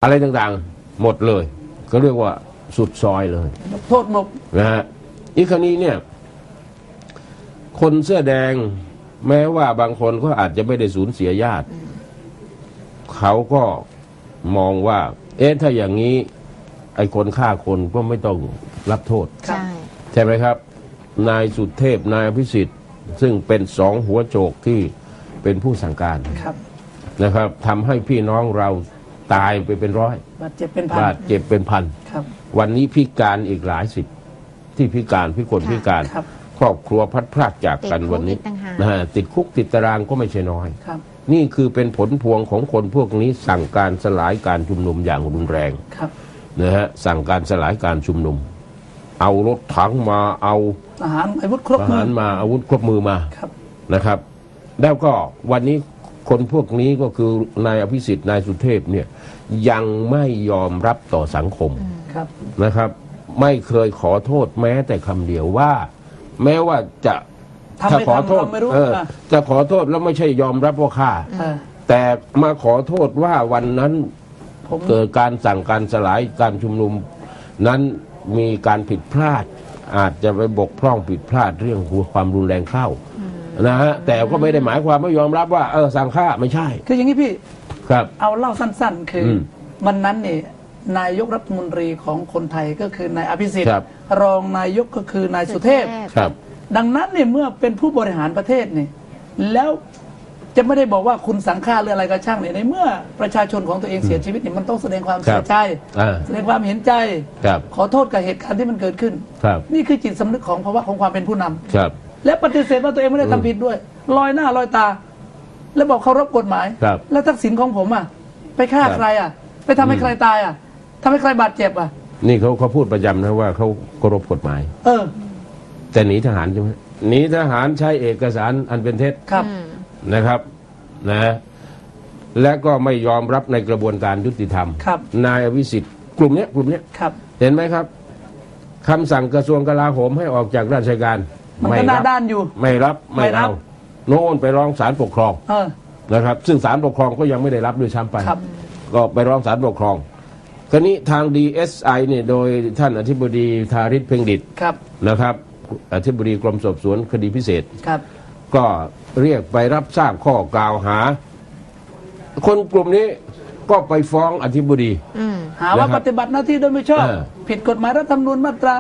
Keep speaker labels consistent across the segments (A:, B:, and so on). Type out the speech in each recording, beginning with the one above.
A: อะไรต่างๆหมดเลยก็เรียกว่าสุดซอยเลย
B: โทษหมก
A: นะฮะอีกคราวนี้เนี่ยคนเสื้อแดงแม้ว่าบางคนก็อาจจะไม่ได้สูญเสียญาติเขาก็มองว่าถ้าอย่างนี้ไอ้คนฆ่าคนก็ไม่ต้องรับโทษใช่ไหมครับนายสุเทพนายอภิสิทธิ์ซึ่งเป็นสองหัวโจกที่เป็นผู้สั่งการนะครับทำให้พี่น้องเราตายไปเป็นร้อย
B: บาดเจ็บเป็นพัน
A: วันนี้พิการอีกหลายสิบที่พิการพิกลพิการครอบครัวพัดพรากจากกันวันนี้ติดคุกติดตารางก็ไม่ใช่น้อยนี่คือเป็นผลพวงของคนพวกนี้สั่งการสลายการชุมนุมอย่างรุนแรงนะฮะสั่งการสลายการชุมนุมเอารถถังมาเอา
B: ทหารอาวุธครบมือ
A: มาอาวุธครบมือมานะครับแล้วก็วันนี้คนพวกนี้ก็คือนายอภิสิทธิ์นายสุเทพเนี่ยยังไม่ยอมรับต่อสังคมนะครับไม่เคยขอโทษแม้แต่คำเดียวว่าแม้ว่าจะขอโทษจะขอโทษแล้วไม่ใช่ยอมรับว่าฆ่าแต่มาขอโทษว่าวันนั้นเกิดการสั่งการสลายการชุมนุมนั้นมีการผิดพลาดอาจจะไปบกพร่องผิดพลาดเรื่องความรุนแรงเข้านะฮะแต่ก็ไม่ได้หมายความไม่ยอมรับว่าสั่งฆ่าไม่ใช่
B: คืออย่างนี้พี่
A: ครับ
B: เอาเล่าสั้นๆคือวันนั้นเนี่ยนายกรัฐมนตรีของคนไทยก็คือนายอภิสิทธิ์รองนายกก็คือนายสุเทพดังนั้นเนี่ยเมื่อเป็นผู้บริหารประเทศเนี่ยแล้วจะไม่ได้บอกว่าคุณสังฆาหรืออะไรก็ช่างเนี่ยในเมื่อประชาชนของตัวเองเสียชีวิตเนี่ยมันต้องแสดงความเสียใจแสดงความเห็นใจขอโทษกับเหตุการณ์ที่มันเกิดขึ้นนี่คือจิตสำนึกของภาวะของความเป็นผู้นำและปฏิเสธว่าตัวเองไม่ได้ทำผิดด้วยลอยหน้าลอยตาแล้วบอกเคารพกฎหมายแล้วทักษิณของผมไปฆ่าใครไปทำให้ใครตายทำให้ใครบาดเจ็บ
A: นี่เขาพูดประจำนะว่าเขาเคารพกฎหมายแต่หนีทหารใช่ไหมหนีทหารใช้เอกสารอันเป็นเท็จนะครับนะและก็ไม่ยอมรับในกระบวนการยุติธรรมนายอภิสิทธิ์กลุ่มนี้เห็นไหมครับคำสั่งกระทรวงกลาโหมให้ออกจากราชการ
B: ไม่รับด้านอยู่
A: ไม่รับไม่เอาโน่นไปร้องศาลปกครองนะครับซึ่งศาลปกครองก็ยังไม่ได้รับด้วยซ้ำไปก็ไปร้องศาลปกครองคราวนี้ทาง DSI เนี่ยโดยท่านอธิบดีธาริศเพ็งดิษฐ์นะครับอธิบดีกรมสอบสวนคดีพิเศษก็เรียกไปรับทราบข้อกล่าวหาคนกลุ่มนี้ก็ไปฟ้องอธิบดี
B: หาว่าปฏิบัติหน้าที่โดยไม่ชอบผิดกฎหมายรัฐธรรมนูญมาตรา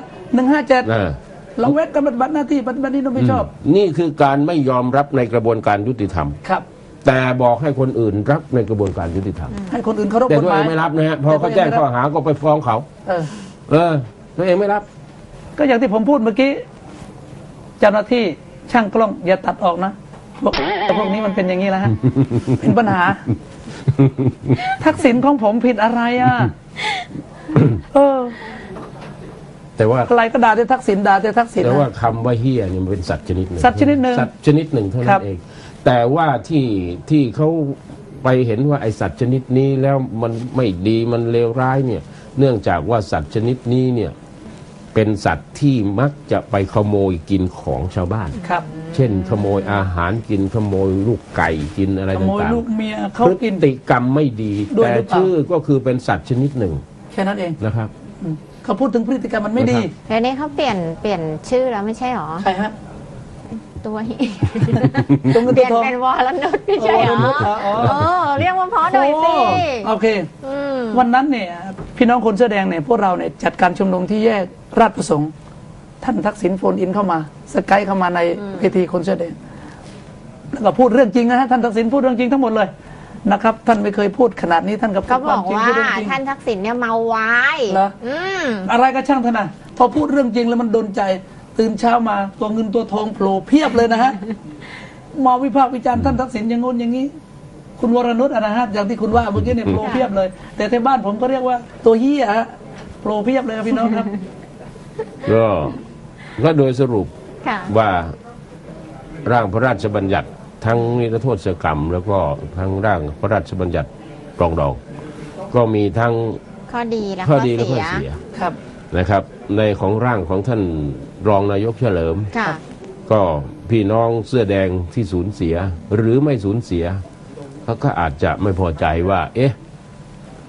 B: 157ละเว้นการปฏิบัติหน้าที่ปฏิบัตินี้โดยไม่ชอบ
A: นี่คือการไม่ยอมรับในกระบวนการยุติธรรมแต่บอกให้คนอื่นรับในกระบวนการยุติธรรม
B: ให้คนอื่นเคารพ
A: กฎหมายแต่ตัวเองไม่รับนะฮะพอเขาแจ้งข้อหาก็ไปฟ้องเขาตัวเองไม่รับ
B: ก็อย่างที่ผมพูดเมื่อกี้เจ้าหน้าที่ช่างกล้องอย่าตัดออกนะบอกแต่พวกนี้มันเป็นอย่างนี้แล้วฮะเป็นปัญหาทักษิณของผมผิดอะไร
A: แต่ว่า
B: อะไรก็ด่าแต่ทักษิณด่าแต่ทักษิณ
A: แต่ว่าคำว่าเฮียเนี่ยมันเป็นสัตว์ชนิดหนึ่ง
B: สัตว์ชนิดหนึ่ง
A: เท่านั้นเองแต่ว่าที่เขาไปเห็นว่าไอสัตว์ชนิดนี้แล้วมันไม่ดีมันเลวร้ายเนี่ยเนื่องจากว่าสัตว์ชนิดนี้เนี่ยเป็นสัตว์ที่มักจะไปขโมยกินของชาวบ้านเช่นขโมยอาหารกินขโมยลูกไก่กินอะไรต่างๆขโมย
B: ลูกเมียเขากิน
A: พฤติกรรมไม่ดีแต่ชื่อก็คือเป็นสัตว์ชนิดหนึ่ง
B: แค่นั้นเอง
A: นะครับ
B: เขาพูดถึงพฤติกรรมมันไม่ดี
C: แล้วนี่เขาเปลี่ยนชื่อแล้วไม่ใช่หรอ
B: ใช่ฮะ
C: ตัวเปลี่ยนเป็นวรนุชไม่ใช่หรอเรียกว่าเพราะหน่อยสิ
B: โอเควันนั้นเนี่ยพี่น้องคนเสื้อแดงเนี่ยพวกเราเนี่ยจัดการชุมนุมที่แยกราชประสงค์ท่านทักษิณโฟนอินเข้ามาสกายเข้ามาในเวทีคนเสื้อแดงแล้วก็พูดเรื่องจริงนะฮะท่านทักษิณพูดเรื่องจริงทั้งหมดเลยนะครับท่านไม่เคยพูดขนาดนี้ท่าน
C: ก็บอกว่าท่านทักษิณเนี่ยเมาไว้
B: เหรออะไรก็ช่างท่านนะพอพูดเรื่องจริงแล้วมันโดนใจตื่นเช้ามาตัวเงินตัวทองโผล่เพียบเลยนะฮะมาวิพากษ์วิจารณ์ท่านทักษิณอย่างงู้นอย่างนี้คุณวรนุชนะฮะอย่างที่คุณว่าเมื่อกี้เนี่ยโผล่เพียบเลยแต่ที่บ้านผมก็เรียกว่าตัวเหี้ยฮะโผล่เพียบเลยพี่น้องครับ
A: ก็โดยสรุปว่าร่างพระราชบัญญัติทั้งนิรโทษกรรมแล้วก็ทั้งร่างพระราชบัญญัติปรองดองก็มีทั้ง
C: ข้อดีและ
A: ข้อเสียนะครับในของร่างของท่านรองนายกเฉลิมก็พี่น้องเสื้อแดงที่สูญเสียหรือไม่สูญเสียเขาก็อาจจะไม่พอใจว่า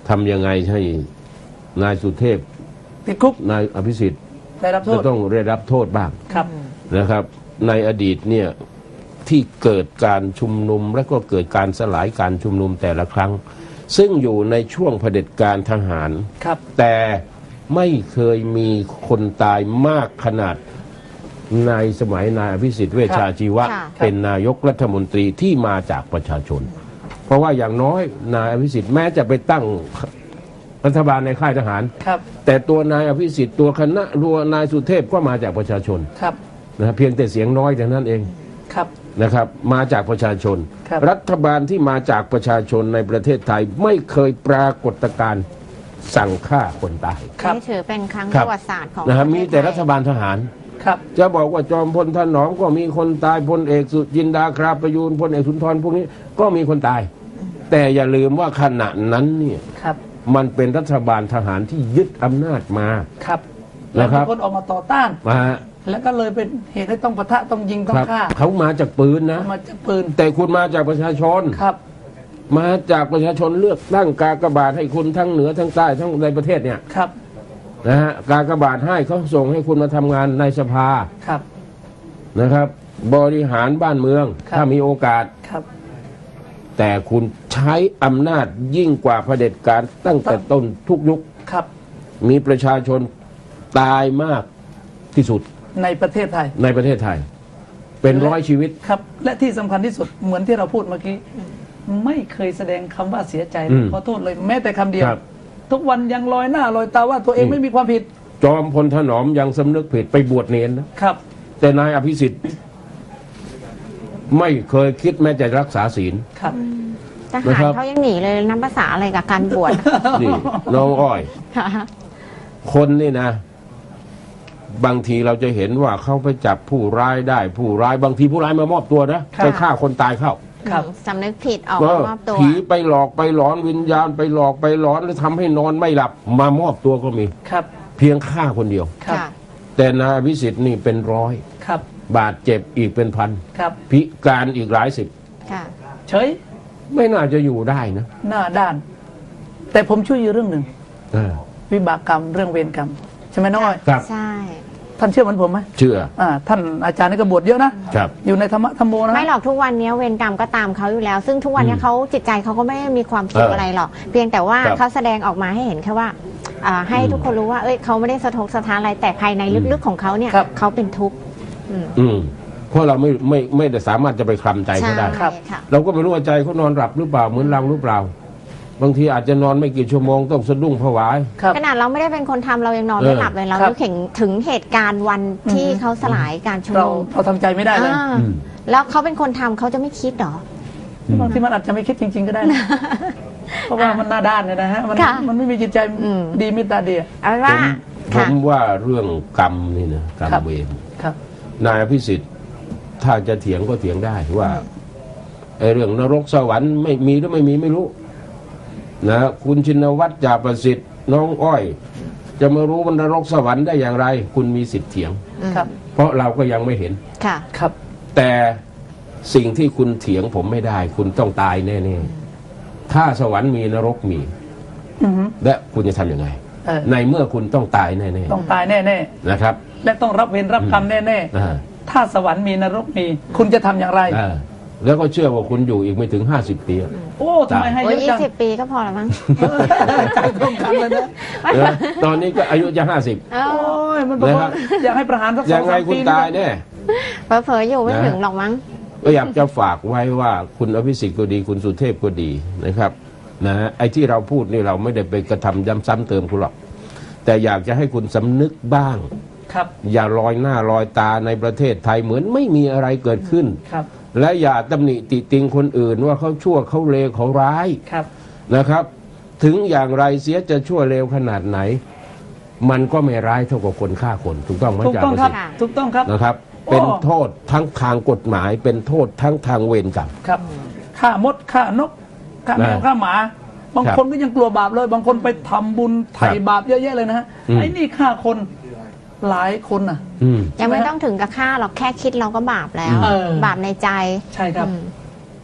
A: ทำยังไงให้นายสุเทพ
B: ติดคุก
A: นายอภิสิทธิ์
B: ได้รับโท
A: จะ
B: ษ
A: ต้องได้รับโทษบ้าง
B: ครับ
A: นะครับ ในอดีตเนี่ยที่เกิดการชุมนุมและก็เกิดการสลายการชุมนุมแต่ละครั้ง ซึ่งอยู่ในช่วงเผด็จการทหาร
B: ครับ
A: แต่ไม่เคยมีคนตายมากขนาดในสมัยนายอภิสิทธิ์เวชชาชีวะ
C: ค่ะ
A: เป็นนายกรัฐมนตรีที่มาจากประชาชน เพราะว่าอย่างน้อยนายอภิสิทธิ์แม้จะไปตั้งรัฐบาลในค่ายทหาร
B: ครับ
A: แต่ตัวนายอภิสิทธิ์ตัวคณะตัวนายสุเทพก็มาจากประชาชน
B: ครับ
A: นะเพียงแต่เสียงน้อยแต่นั้นเอง
B: ครับ
A: นะครับมาจากประชาชน
B: ครับ
A: รัฐบาลที่มาจากประชาชนในประเทศไทยไม่เคยปรากฏการณ์สั่งฆ่าคนตาย
B: ครับ
C: นี่ถือเป็นครั้ง
A: ค
C: ป
A: รับ
C: ระวัติศาสตร์ของ
A: นะครับ
C: ปะเทศ
A: มีแต่รัฐ
C: ไทย
A: บาลทหาร
B: ครับ
A: จะบอกว่าจอมพลถนอมก็มีคนตายพลเอกสุจินดาคราประยูนพลเอกสุนทรพวกนี้ก็มีคนตาย แต่อย่าลืมว่าขณะนั้นเนี่ย
B: ครับ
A: มันเป็นรัฐบาลทหารที่ยึดอำนาจมา
B: ครับแล้ว
A: นะครับ
B: มีคนออกมาต่อต้าน
A: มา
B: แล้วก็เลยเป็นเหตุให้ต้องปะทะต้องยิงต้อ
A: ค
B: ง
A: รับ
B: ฆ่า
A: เขามาจากปืนนะ
B: มาจากปืน
A: แต่คุณมาจากประชาชน
B: ครับ
A: มาจากประชาชนเลือกตั้งกากบาทให้คุณทั้งเหนือทั้งใต้ทั้งในประเทศเนี่ย
B: ครับ
A: นะฮะกากบาทให้เขาส่งให้คุณมาทำงานในสภา
B: ครับ
A: นะครับ บริหารบ้านเมือง
B: ครับ
A: ถ้ามีโอกาส
B: ครับ
A: แต่คุณใช้อำนาจยิ่งกว่าเผด็จการตั้งแต่ต้นทุกยุค
B: ครับ
A: มีประชาชนตายมากที่สุด
B: ในประเทศไทย
A: ในประเทศไทย เป็นร้อยชีวิต
B: ครับ และที่สำคัญที่สุดเหมือนที่เราพูดเมื่อกี้ ไม่เคยแสดงคำว่าเสียใจ
A: อืม
B: ขอโทษเลยแม้แต่คำเดียว
A: ครับ
B: ทุกวันยังลอยหน้าลอยตาว่าตัวเองไม่มีความผิด
A: จอมพลถนอมยังสำนึกผิดไปบวชเนนนะครับ แต่นายอภิสิทธิ์ ไม่เคยคิดแม้จะรักษาศีล
B: ครับ
C: ท
A: นะ
C: หา
A: ครั
C: ร
A: บ
C: เขายังหนีเลยน้ำภาษาอะไรกับการบวช
A: นี่น้องอ้อย
C: ค่ะ
A: คนนี่นะ บางทีเราจะเห็นว่าเขาไปจับผู้ร้ายได้ ผู้ร้ายบางทีผู้ร้ายมามอบตัวนะครับ ไปฆ่าคนตายเข้า
B: ครับ
C: สำนึกผิดออก
A: ก็
C: มามอบตัว
A: ผีไปหลอกไปหลอนวิญญาณไปหลอกไปหลอนแล้วทำให้นอนไม่หลับ มามอบตัวก็มี
B: ครับ
A: เพียงฆ่าคนเดียว
B: ครับ
C: ค่ะ
A: แต่นายอภิสิทธิ์นี่เป็นร้อย
B: ครับ
A: บาดเจ็บอีกเป็นพัน
B: ครับ
A: พิการอีกหลายสิบ
C: ค่ะ
B: เฉย
A: ไม่น่าจะอยู่ได้นะ
B: หน้าด้าน แต่ผมช่วยอยู่เรื่องหนึ่ง
A: เออ
B: วิบากกรรมเรื่องเวรกรรมใช่ไหมน้องอ้อย
A: ครับ
C: ใช่
B: ท่านเชื่อเหมือนผมไหม
A: เชื่อ
B: ท่านอาจารย์นี่ก็บวชเยอะนะ
A: ครับ
B: อยู่ในธรรมะธรรมโมนะ
C: ไม่หรอกทุกวันนี้เวรกรรมก็ตามเขาอยู่แล้ว ซึ่งทุกวันนี้เขาจิตใจเขาก็ไม่ได้มีความสุขอะไรหรอก เพียงแต่ว่า
A: ครับ
C: เขาแสดงออกมาให้เห็นแค่ว่าให้ทุกคนรู้ว่าเอ้ยเขาไม่ได้สะทกสะท้านอะไรแต่ภายในลึกๆของเขาเนี่ย
B: ครับ
C: เขาเป็นทุกข์อืม
A: อืมเพราะเราไม่ได้สามารถจะไปคลำใจ
C: ใช่
A: เขาได้
B: ครับ
C: ค่ะ
A: เราก็ไม่รู้ว่าใจเขานอนหลับหรือเปล่าเหมือนเราหรือเปล่า บางทีอาจจะนอนไม่กี่ชั่วโมงต้องสะดุ้งผวา
B: ครับ
C: ขนาดเราไม่ได้เป็นคนทำเรายังนอนไม่หลับเลยเรา
B: ครับ
C: นึกถึงเหตุการณ์วันที่เขาสลายการชุม
B: เรา
C: นุม
B: เราทำใจไม่ได้เลย
C: อ่า
A: อืม
C: แล้วเขาเป็นคนทำเขาจะไม่คิดเหรอ
B: บางทีมันอาจจะไม่คิดจริง ๆ ก็ได้นะ เพราะว่ามันหน้าด้านเนี่ยนะฮะ มัน
C: ค่ะ
B: มันไม่มีจิตใจ
C: อืม
B: ดีเมตตาเดีย
C: เอาเป็นว่า
A: ผ
C: ค่ะ
A: มว่าเรื่องกรรมนี่นะกรรม
B: ครับ
A: เวร
B: ครับ
A: นายอภิสิทธิ์ถ้าจะเถียงก็เถียงได้ว่าไอ้เรื่องนรกสวรรค์ไม่มีหรือไม่มีไม่รู้นะคุณชินวัตรจ่าประสิทธิ์น้องอ้อย จะมารู้ว่านรกสวรรค์ได้อย่างไร คุณมีสิทธิ์เถียง
B: ครับ
A: เพราะเราก็ยังไม่เห็น
C: ค่ะ
B: ครับ
A: แต่สิ่งที่คุณเถียงผมไม่ได้ คุณต้องตายแน่ๆถ้าสวรรค์มีนรกมี
B: อือฮึ
A: และคุณจะทำยังไง
B: เออ
A: ในเมื่อคุณต้องตายแน่
B: ต้องตายแน่
A: ๆนะครับ
B: ๆ และต้องรับเวรรับกรรมแน่
A: อ่า
B: ๆ ถ้าสวรรค์มีนรกมี คุณจะทำอย่างไร
A: อ่าแล้วก็เชื่อว่าคุณอยู่อีกไม่ถึง 50 ปีอะ
B: โอ้ทำไมให้
C: โอ้
B: เย
C: ย
B: อะจัง
C: 20 ปีก็พอแล้วมั้ง
B: ใจตรงกันเลยนะ
A: นะตอนนี้ก็อายุจะ
C: เอ้า
B: โอ้ยมันบอกว่า
A: นะครับ
B: อยากให้ประหารสัก
A: 50
B: ส
A: ยั
B: อง
A: งไง
B: สาม
A: คุ
B: ปี
A: ณ
B: นะ
A: ตายแน่
C: เผลอๆอยู่ไม่
A: นะ
C: ถึงหรอกมั้ง
A: ก็อยากจะฝากไว้ว่าคุณอภิสิทธิ์ก็ดีคุณสุเทพก็ดีนะครับนะไอ้ที่เราพูดนี่เราไม่ได้ไปกระทำย้ำซ้ำเติมคุณหรอกแต่อยากจะให้คุณสำนึกบ้าง
B: ครับ
A: อย่าลอยหน้าลอยตาในประเทศไทยเหมือนไม่มีอะไรเกิดขึ้น
B: ครับ
A: และอย่าตำหนิติติงคนอื่นว่าเขาชั่วเขาเลวเขาร้าย
B: ครับ
A: นะครับ ถึงอย่างไรเสียจะชั่วเลวขนาดไหน มันก็ไม่ร้ายเท่ากับคนฆ่าคนถูกต้องไหม
B: ถูก
A: จ่า
B: ต้อง
A: ประ
B: ครั
A: สิ
B: บ
A: ทธิ์
C: ค่ะ
B: ถูกต้องครับ
A: นะครับ
B: โอ้
A: เป็นโทษทั้งทางกฎหมายเป็นโทษทั้งทางเวรกรรม
B: ครับฆ่ามดฆ่านกฆ่าแมว
A: นะ
B: ฆ่าหมา บาง
A: ครับ
B: คนก็ยังกลัวบาปเลย บางคนไปทำบุญไถ่บาปเยอะแยะเลยนะฮะ
A: อืม
B: ไอ้นี่ฆ่าคนหลายคนน่ะ
A: อืม
C: ยังไม่ต้องถึงกับฆ่าหรอกแค่คิดเราก็บาปแล้ว
B: เออ
C: บาปในใจ
B: ใช่ครับ
C: อืม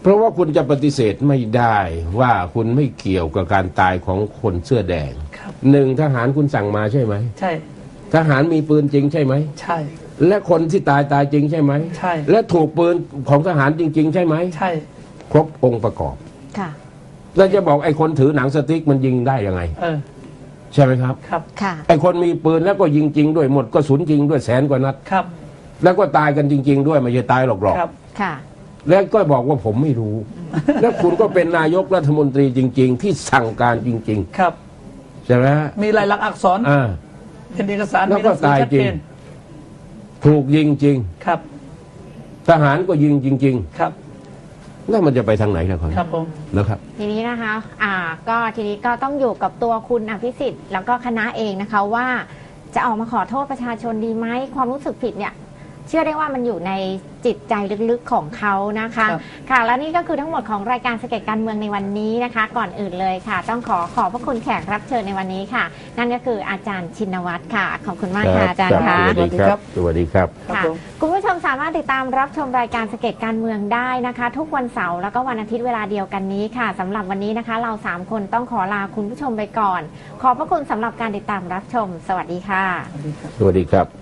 A: เพราะว่าคุณจะปฏิเสธไม่ได้ว่าคุณไม่เกี่ยวกับการตายของคนเสื้อแดง
B: ครับ
A: หนึ่งทหารคุณสั่งมาใช่ไหม
B: ใช่
A: ทหารมีปืนจริงใช่ไหม
B: ใช่
A: และคนที่ตายจริงใช่ไหม
B: ใช่
A: และถูกปืนของทหารจริง ๆ ใช่ไหม
B: ใช่
A: ครบองค์ประกอบ
C: ค่ะ
A: แล้วจะบอกไอ้คนถือหนังสติ๊กมันยิงได้ยังไง ใช่ไหมครับ
B: ครับ
C: ค่ะ
A: ไอ้คนมีปืนแล้วก็ยิงจริงด้วยหมดก็สุนจริงด้วยแสนกว่านัด
B: ครับ
A: แล้วก็ตายกันจริง ๆ ด้วยไม่ใช่ตายหลอก
B: ครับ
C: ค่ะ
A: ๆแล้วก็บอกว่าผมไม่รู้ แล้วคุณก็เป็นนายกรัฐมนตรีจริง ๆ ที่สั่งการจริง
B: ครับ
A: ๆ ใช่ไหมฮะ
B: มีลายลักษณ์อักษร
A: อ่า
B: เป็นเอกสาร
A: แล้ว
B: มีห
A: ก็
B: นังสือ
A: ตาย
B: ชัด
A: จริ
B: เจ
A: ง
B: น
A: ถูกยิงจริง
B: ครับ
A: ทหารก็ยิงจริง
B: ครับ
A: ๆ แล้วมันจะไปทางไหนล่ะครับ
B: ครับผม
A: นะครับ
C: ทีนี้นะคะ ก็ทีนี้ก็ต้องอยู่กับตัวคุณอภิสิทธิ์แล้วก็คณะเองนะคะว่าจะออกมาขอโทษประชาชนดีไหมความรู้สึกผิดเนี่ยเชื่อได้ว่ามันอยู่ในจิตใจลึกๆของเขานะคะ
B: ครับ
C: ค่ะและนี่ก็คือทั้งหมดของรายการสเก็ตการเมืองในวันนี้นะคะ ก่อนอื่นเลยค่ะ ต้องขอบพระคุณแขกรับเชิญในวันนี้ค่ะ นั่นก็คืออาจารย์ชินวัตรค่ะ ขอบคุณมากค่ะอาจารย์ค่ะ
A: สวัสดีครับ สวัสดีครับ
B: ครับ
C: ค่ะ
B: ผม
C: คุณผู้ชมสามารถติดตามรับชมรายการสเก็ตการเมืองได้นะคะ ทุกวันเสาร์แล้วก็วันอาทิตย์เวลาเดียวกันนี้ค่ะสำหรับวันนี้นะคะ เรา3คนต้องขอลาคุณผู้ชมไปก่อน ขอบพระคุณสำหรับการติดตามรับชม สวัสดีค่ะ
A: สวัสดีครับ